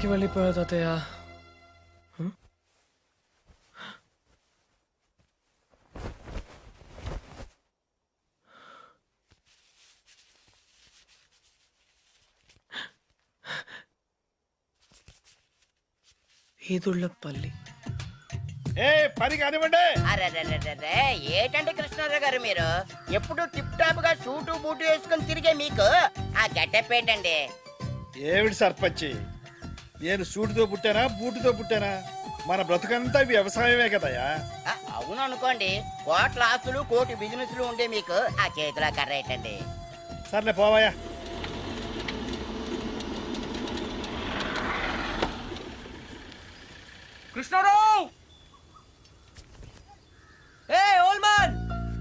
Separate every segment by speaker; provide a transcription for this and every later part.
Speaker 1: వెళ్ళిపోయా తాతయ్య. ఈదుళ్ళపల్లి.
Speaker 2: పని కానివ్వండి.
Speaker 3: అరెరెరెరెరే, ఏటండి కృష్ణారావు గారు మీరు ఎప్పుడు టిప్ టాప్ గా సూటు బూటు వేసుకుని తిరిగే మీకు ఆ గెటప్ ఏంటండి?
Speaker 2: ఏమిటి సర్పంచి, నేను సూటుతో పుట్టానా బూటుతో పుట్టానా? మన బ్రతుకంతా వ్యవసాయమే కదయా.
Speaker 3: అవును అనుకోండి, కోట్ల ఆస్తులు కోటి బిజినెస్లు ఉండే మీకు ఆ చేతిలో కర్ర ఏంటండి?
Speaker 2: సర్లే పోవాయా.
Speaker 1: కృష్ణారావు! ఏ old man,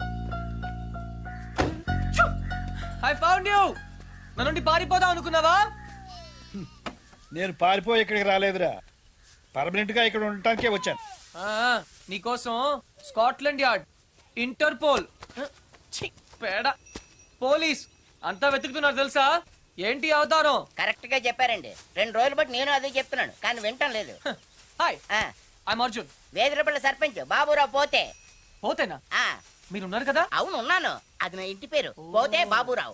Speaker 1: I found you. నా నుండి పారిపోదాం అనుకున్నావా?
Speaker 2: నేను పారిపోయి ఇక్కడికి రాలేదురా, పర్మనెంట్ గా ఇక్కడ ఉండటానికే వచ్చాను.
Speaker 1: నీకోసం స్కాట్లాండ్ యార్డ్, ఇంటర్పోల్, పేడ, పోలీస్ అంతా వెతుకుతున్నారు తెలుసా? ఏంటి అవతారం?
Speaker 3: కరెక్ట్ గా చెప్పారండి. 2 రోజులు బట్టి నేను అదే చెప్తున్నాను, కానీ వింటం లేదు.
Speaker 1: Hi, I'm Arjun.
Speaker 3: వేదిరపల్లి సర్పంచ్ బాబురావు పోతే.
Speaker 1: పోతేనా?
Speaker 3: ఆ
Speaker 1: మీరున్నారు కదా?
Speaker 3: అవును ఉన్నాను, అది నా ఇంటి పేరు. పోతే బాబురావు.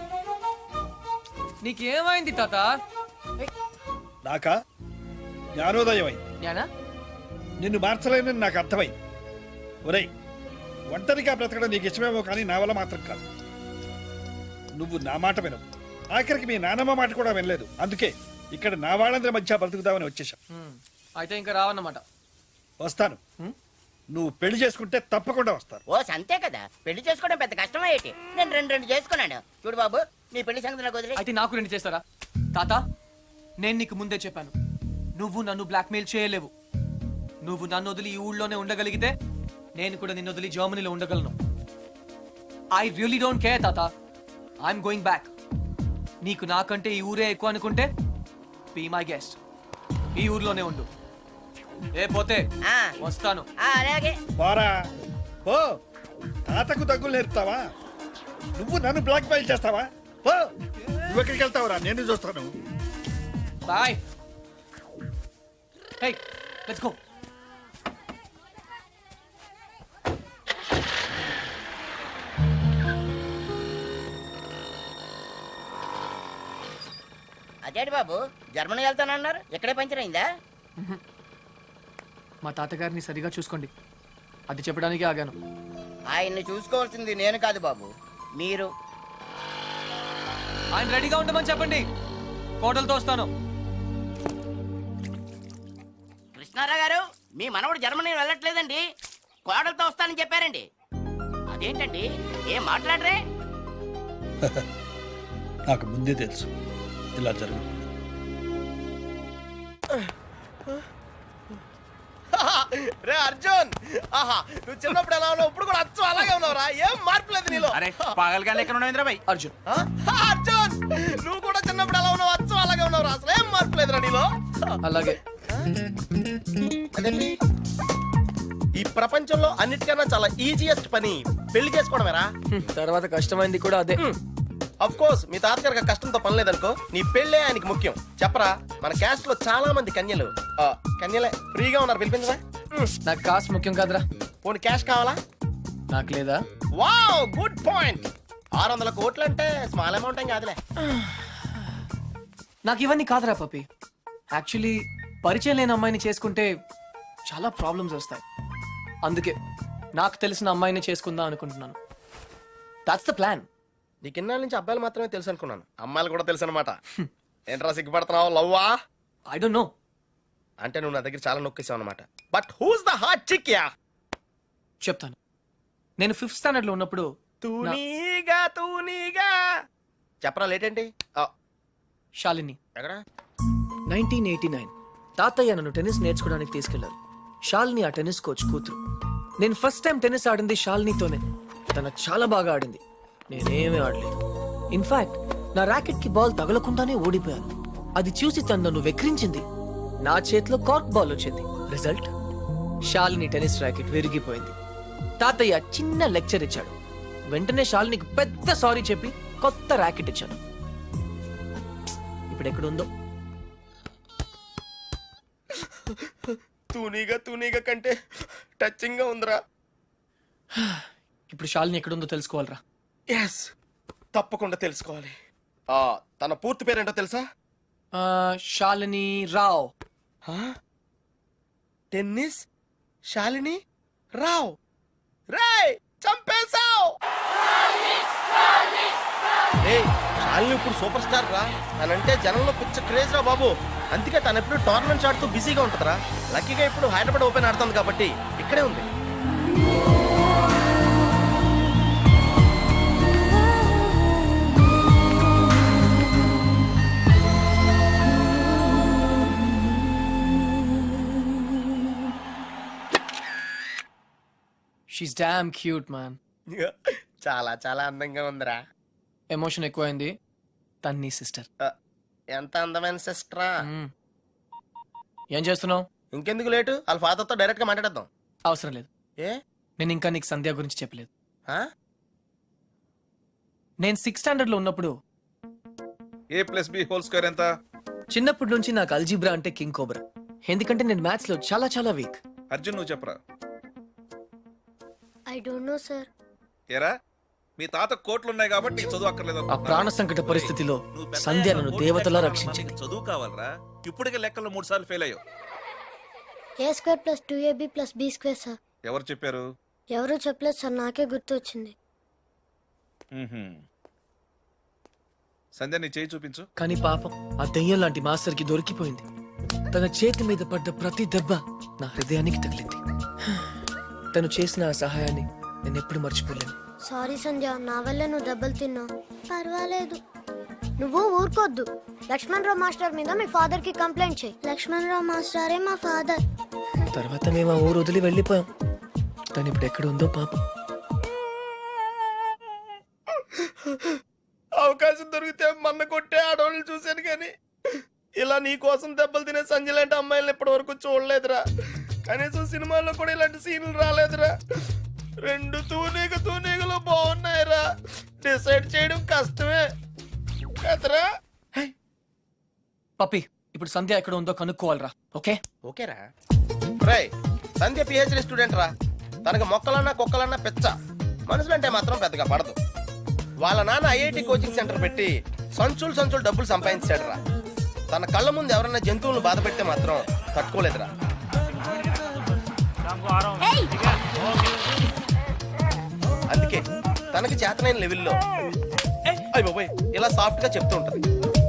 Speaker 1: నీకేమైంది తాత?
Speaker 2: నాకా జ్ఞానోదయం అయింది.
Speaker 1: జ్ఞానా?
Speaker 2: నిన్ను మార్చలేనని నాకు అర్థమైంది. ఒరేయ్, ఒంటరిగా బ్రతకడం నీకు ఇష్టమేమో కానీ నా వల్ల మాత్రం కాదు. నువ్వు నా మాట వినవు, ఆఖరికి మీ నానమ్మ మాట కూడా వినలేదు. అందుకే ఇక్కడ నా వాళ్ళందరి మధ్య బ్రతుకుతామని వచ్చేసాం.
Speaker 1: అయితే ఇంకా రావన్నమాట.
Speaker 2: వస్తాను, నువ్వు పెళ్లి చేసుకుంటే తప్పకుండా వస్తాను.
Speaker 3: ఓ అంతే కదా, పెళ్లి చేసుకోవడం పెద్ద కష్టమే ఏంటి? నేను రెండు చేసుకున్నాను. చూడు బాబు, నీ పెళ్లి సంగతి నాకు వదిలే.
Speaker 1: అయితే నాకు 2 చేస్తారా? తాత, నేను నీకు ముందే చెప్పాను, నువ్వు నన్ను బ్లాక్మెయిల్ చేయలేవు. నువ్వు నన్ను వదిలి ఈ ఊళ్ళోనే ఉండగలిగితే నేను కూడా నిన్ను వదిలి జర్మనీలో ఉండగలను. ఐ రియలీ డోంట్ కేర్ తాత, ఐఎమ్ గోయింగ్ బ్యాక్. నీకు నాకంటే ఈ ఊరే ఎక్కువ అనుకుంటే బీ మై గెస్ట్, ఈ ఊర్లోనే ఉండు. ఏ పోతే వస్తాను.
Speaker 3: అలాగే
Speaker 2: పోరా పో. తాతకు దగ్గులు నేర్పుతావా? నువ్వు నన్ను బ్లాక్ మెయిల్ చేస్తావా? పో. నువ్వు ఎక్కడికి వెళ్తావురా, నేను చూస్తాను.
Speaker 1: బాయ్. Hey, let's go.
Speaker 3: అదేంటి బాబు, జర్మనీ వెళ్తానన్నారు, ఇక్కడే పంచర్ అయిందా?
Speaker 1: మా తాతగారిని సరిగా చూసుకోండి, అది చెప్పడానికి ఆగాను.
Speaker 3: ఆయన్ని చూసుకోవాల్సింది నేను కాదు బాబు, మీరు.
Speaker 1: ఆయన రెడీగా ఉండమని చెప్పండి, కోటలతో వస్తాను.
Speaker 3: కృష్ణారావు గారు, మీ మనవడు జర్మనీ వెళ్ళట్లేదండి, కోడలతో వస్తానని చెప్పారండి. అదేంటండి, ఏం మాట్లాడరే?
Speaker 2: నాకు ముందే తెలుసు ఇలా జరుగు.
Speaker 4: రే అర్జున్, ఆహా, నువ్వు చిన్నప్పుడు ఎలా ఉన్నావు, ఇప్పుడు కూడా అచ్చం అలాగే ఉన్నావురా. ఏం మార్పు లేదు నీలో.
Speaker 5: అరే పాగల్గానే ఎక్కడ ఉన్నావు భాయ్?
Speaker 1: అర్జున్,
Speaker 4: అర్జున్, నువ్వు కూడా చిన్నప్పుడు ఎలా ఉన్నావు, అచ్చం అలాగే ఉన్నావురా. అసలు ఏం మార్పు లేదురా నీలో.
Speaker 1: అలాగే.
Speaker 4: అదేంటి, ఈ ప్రపంచంలో అన్నిటికన్నా చాలా ఈజియెస్ట్ పని పెళ్లి చేసుకోవడమేరా.
Speaker 1: తర్వాత కష్టమైంది కూడా అదే.
Speaker 4: అఫ్ కోర్స్, మీ తాతగారికి కష్టంతో పని లేదనుకో, నీ పెళ్ళే ఆయనకి ముఖ్యం. చెప్పరా, మన క్యాస్ట్ లో చాలా మంది కన్యలే ఫ్రీగా ఉన్నారు, పిలిపించరా.
Speaker 1: నాకు కాస్ట్ ముఖ్యం కాదురా.
Speaker 4: పోనీ క్యాష్ కావాలా?
Speaker 1: నాకు లేదా?
Speaker 4: Wow, good point. 600 కోట్లు అంటే స్మాల్ అమౌంట్ ఏం కాదులే.
Speaker 1: నాకు ఇవన్నీ కాదురా పపి. యాక్చువల్లీ పరిచయం లేని అమ్మాయిని చేసుకుంటే చాలా ప్రాబ్లమ్స్ వస్తాయి. అందుకే నాకు తెలిసిన అమ్మాయిని చేసుకుందాం అనుకుంటున్నాను. That's the plan.
Speaker 4: నీకు ఇన్నాళ్ళ నుంచి అబ్బాయిలు మాత్రమే తెలుసు అనుకున్నాను, అమ్మాయిలు కూడా తెలుసు అనమాట. ఏంట్రా సిగ్గుపడుతున్నావు, లవ్వా?
Speaker 1: I don't know.
Speaker 4: అంటే నువ్వు నా దగ్గర చాలా నొక్కేసావు అనమాట. But who's the hot chick యా?
Speaker 1: చెప్తాను. నేను 5th స్టాండర్డ్ లో ఉన్నప్పుడు
Speaker 4: తూనీగా చెప్పరా, లేట్ ఏంటి?
Speaker 1: శాలిని,
Speaker 4: ఎక్కడ?
Speaker 1: 1989 తాతయ్య నన్ను టెన్నిస్ నేర్చుకోవడానికి తీసుకెళ్లారు. శాలిని ఆ టెన్నిస్ కోచ్ కూతురు. నేను ఫస్ట్ టైం టెన్నిస్ ఆడింది శాలినితోనే. తన చాలా బాగా ఆడింది, నేనేమీ ఆడలేదు. ఇన్ఫాక్ట్ నా ర్యాకెట్ కి బాల్ తగలకుండానే ఓడిపోయాను. అది చూసి తను నన్ను వెక్రించింది. నా చేతిలో కార్క్ బాల్ వచ్చింది. రిజల్ట్, శాలిని టెన్నిస్ ర్యాకెట్ విరిగిపోయింది. తాతయ్య చిన్న లెక్చర్ ఇచ్చాడు. వెంటనే శాలినికి పెద్ద సారీ చెప్పి కొత్త ర్యాకెట్ ఇచ్చాను. ఇప్పుడు ఎక్కడుందో
Speaker 4: తూనీగా కంటే టచింగ్ గా ఉందిరా.
Speaker 1: ఇప్పుడు శాలిని ఎక్కడుందో తెలుసుకోవాలరా.
Speaker 4: ఎస్, తప్పకుండా తెలుసుకోవాలి. తన పూర్తి పేరేంటో తెలుసా?
Speaker 1: శాలిని రావ్.
Speaker 4: టెన్నిస్ శాలిని రావ్. రేయ్, చంపేశావ్. శాలిని ఇప్పుడు సూపర్ స్టార్ రా. తనంటే జనంలో పిచ్చ క్రేజ్ రా బాబు. అందుకే తను ఎప్పుడు టోర్నమెంట్స్ ఆడుతూ బిజీగా ఉంటుందిరా. లక్కీగా ఇప్పుడు హైదరాబాద్ ఓపెన్ ఆడుతుంది కాబట్టి ఇక్కడే ఉంది.
Speaker 1: She's damn cute man.
Speaker 4: చాలా చాలా అందంగా ఉందిరా.
Speaker 1: ఎమోషన్ ఎక్కువైంది. తన్ని సిస్టర్.
Speaker 4: ఎంత అందమైన సిస్టరా.
Speaker 1: ఏం చేస్తున్నావు?
Speaker 4: ఇంకెందుకు లేటు, వాళ్ళ ఫాదర్తో డైరెక్ట్ గా మాట్లాడేద్దాం.
Speaker 1: అవసరం లేదు.
Speaker 4: ఏ?
Speaker 1: నేను ఇంకా నీకు సంధ్య గురించి చెప్పలేదు.
Speaker 4: ఆ?
Speaker 1: నేను 6th స్టాండర్డ్ లో ఉన్నప్పుడు
Speaker 6: a+b² ఎంత?
Speaker 1: చిన్నప్పటి నుంచి నాకు అల్జీబ్రా అంటే కింగ్ కోబ్రా. ఎందుకంటే నేను మ్యాథ్స్ లో చాలా చాలా వీక్.
Speaker 6: అర్జున్ నువ్వు చెప్పరా.
Speaker 7: I don't know, sir.
Speaker 6: ఏరా మీ తాత కోట్లు ఉన్నాయి కాబట్టి నీకు చదువు అక్కర్లేదు
Speaker 1: ఆ
Speaker 6: అనుకుంటున్నావా?
Speaker 1: ప్రాణ సంకట పరిస్థితిలో
Speaker 6: నువ్వు పెద్ద
Speaker 1: సంధ్య
Speaker 6: అయ్యాక
Speaker 1: నన్ను
Speaker 6: కోట్లు
Speaker 1: దేవతలా
Speaker 6: లెక్కలు
Speaker 1: రక్షించింది.
Speaker 6: నీకు చదువు కావాలరా. ఇప్పటికే లెక్కలు 3 సార్లు ఫెయిల్ అయ్యావు.
Speaker 7: A square plus 2ab plus b square, sir.
Speaker 6: ఎవరు చెప్పారు?
Speaker 7: ఎవరూ చెప్పలేదు సార్, నాకే గుర్తు వచ్చింది.
Speaker 6: సంధ్య నీ చేయి చూపించు.
Speaker 1: కానీ పాపం ఆ దెయ్యం లాంటి మాస్టర్ కి దొరికిపోయింది. తన చేతి మీద పడ్డ ప్రతి దెబ్బ నా హృదయానికి తగిలింది. తను చేసిన ఆ సహాయాన్ని నేను ఎప్పుడు మర్చిపోలేను.
Speaker 7: సారీ సంధ్య, నా వల్ల నువ్వు దెబ్బలు తిన్నావు. పర్వాలేదు, నువ్వు ఊరుకోద్దు. లక్ష్మణరావు మాస్టర్ మీద మీ ఫాదర్ కి కంప్లైంట్ చేయి. లక్ష్మణరావు మాస్టరే మా ఫాదర్.
Speaker 1: తర్వాత మేము ఆ ఊరు వదిలి వెళ్ళిపోయాం. తను ఇప్పుడు ఎక్కడ ఉందో పాపం.
Speaker 4: అవకాశం దొరికితే మన్న కొట్టే ఆడవాళ్ళని చూశాను కానీ ఇలా నీ కోసం దెబ్బలు తినే సంజయ్ లాంటి అమ్మాయిలను ఇప్పటి వరకు చూడలేదురా. కనీసం సినిమాల్లో కూడా ఇలాంటి సీన్లు రాలేదురా. 2 తూనీగలు బాగున్నాయిరా. డిసైడ్ చేయడం కష్టమే కదరా.
Speaker 1: పప్పి, ఇప్పుడు సంధ్య ఎక్కడ ఉందో కనుక్కోవాలరా. ఓకే
Speaker 4: ఓకేరా. రై, సంధ్య పిహెచ్డి స్టూడెంట్ రా. తనకు మొక్కలన్నా కుక్కలన్నా పిచ్చ. మనుషులంటే మాత్రం పెద్దగా పడదు. వాళ్ళ నాన్న ఐఐటి కోచింగ్ సెంటర్ పెట్టి సంచులు డబ్బులు సంపాదించాడు రా. తన కళ్ళ ముందు ఎవరైనా జంతువులను బాధ పెడితే మాత్రం తట్టుకోలేదురా. అందుకే తనకి చేతనైన లెవెల్లో అయ్ బాబోయ్ ఇలా సాఫ్ట్ గా చెప్తూ ఉంటది.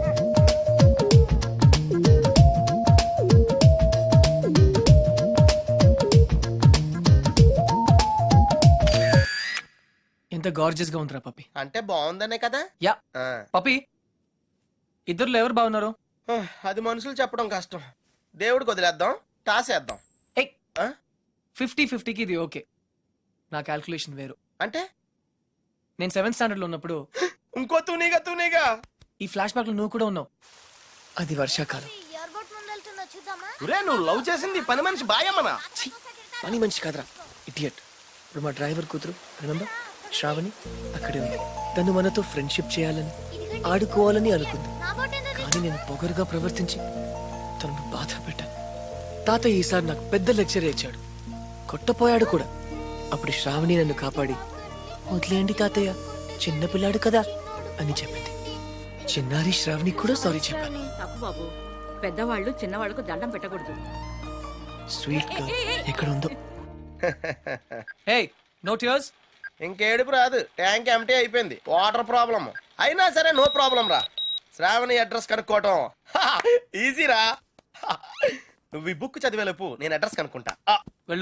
Speaker 1: ఎంత గార్జియస్ గా ఉందిరా పప్పి.
Speaker 4: అంటే బాగుందనే కదా.
Speaker 1: యా
Speaker 4: ఆ.
Speaker 1: పప్పి, ఇద్దరులో ఎవరు బాగున్నారు?
Speaker 4: అది మనుషులు చెప్పడం కష్టం. దేవుడికి వదిలేద్దాం, టాసేద్దాం.
Speaker 1: 50-50కి ఇది ఓకే. నా క్యాల్కులేషన్ వేరు.
Speaker 4: అంటే
Speaker 1: నేను 7th స్టాండర్డ్ లో ఉన్నప్పుడు
Speaker 4: ఇంకో తూనీగా
Speaker 1: ఈ ఫ్లాష్ బ్యాక్ లో నువ్వు కూడా ఉన్నావు. అది వర్షాకాలం.
Speaker 7: ఎయిర్పోర్ట్ ముందు వెళ్తుందో చూద్దామా?
Speaker 4: ఒరే, నువ్వు లవ్ చేసింది పని మనిషి బాయమ్మనా?
Speaker 1: ఛీ, పని మంచి కాదురా, ఇడియట్. ఇప్పుడు మా డ్రైవర్ కూతురు రిమెంబర్ శ్రావణి అక్కడే ఉంది. తను మనతో ఫ్రెండ్షిప్ చేయాలని ఆడుకోవాలని అనుకుంది.
Speaker 7: నా బోట్ ఎందుకు?
Speaker 1: కానీ నేను పొగరుగా ప్రవర్తించి తనను బాధ పెట్టాను. తాతయ్య ఈసారి నాకు పెద్ద లెక్చర్ ఇచ్చాడు. కొట్టపోయాడు కూడా. అప్పుడు శ్రావణి నన్ను కాపాడి వదిలేయండి తాతయ్య, చిన్నపిల్లాడు కదా అని చెప్పింది. చిన్నారి శ్రావణి కూడా సారీ చెప్పాను.
Speaker 8: తప్పు బాబు, పెద్దవాళ్ళు చిన్నవాళ్ళకు దండం పెట్టకూడదు.
Speaker 1: స్వీట్ గా ఎక్కడ ఉందో. హే, నో టియర్స్.
Speaker 4: ఇంకేడుపు రాదు, ట్యాంక్ ఎంటీ అయిపోయింది. వాటర్ ప్రాబ్లం అయినా సరే నో ప్రాబ్లం రా. శ్రావణి అడ్రస్ కనుక్కోవటం ఈజీరా. నువ్వు ఈ బుక్ చదివేలోపు నేను అడ్రస్ కనుక్కుంటా.
Speaker 1: వెళ్ళు.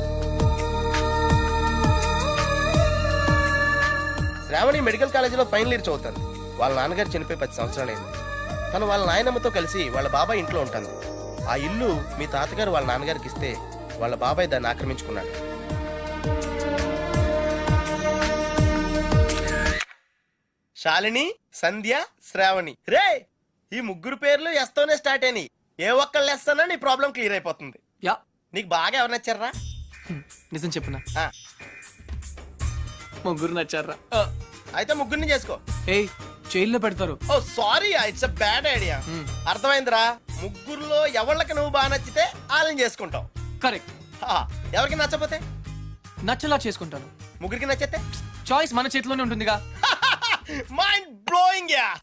Speaker 4: శ్రావణి మెడికల్ కాలేజీలో ఫైనల్ ఇయర్ చదువుతాను. వాళ్ళ నాన్నగారు చనిపోయి 10 సంవత్సరాలైంది. తను వాళ్ళ నాయనమ్మతో కలిసి వాళ్ళ బాబాయ్ ఇంట్లో ఉంటాను. ఆ ఇల్లు మీ తాతగారు వాళ్ళ నాన్నగారికి ఇస్తే వాళ్ళ బాబాయ్ దాన్ని ఆక్రమించుకున్నాడు. శాలిని, సంధ్య, శ్రావణి. రే, ఈ ముగ్గురు పేర్లు ఎస్తోనే స్టార్ట్ అయినాయి. ఏ ఒక్కళ్ళు ఎస్తానో నీ ప్రాబ్లం క్లియర్ అయిపోతుంది.
Speaker 1: యా,
Speaker 4: నీకు బాగా ఎవరు నచ్చారా?
Speaker 1: నిజం చెప్పునా,
Speaker 4: ఆ,
Speaker 1: ముగ్గురు నచ్చారా?
Speaker 4: అయితే ముగ్గురిని చేసుకో.
Speaker 1: ఏయ్, జైల్లో పెడతారు.
Speaker 4: Oh sorry, it's a bad idea. అర్థమైందిరా. ముగ్గురులో ఎవళ్ళకి నువ్వు బాగా నచ్చితే వాళ్ళని చేసుకుంటావు.
Speaker 1: కరెక్ట్.
Speaker 4: ఎవరికి నచ్చపోతే
Speaker 1: నచ్చలా చేసుకుంటాను.
Speaker 4: ముగ్గురికి నచ్చితే
Speaker 1: చాయిస్ మన చేతిలోనే ఉంటుందిగా.
Speaker 4: Mind blowing yeah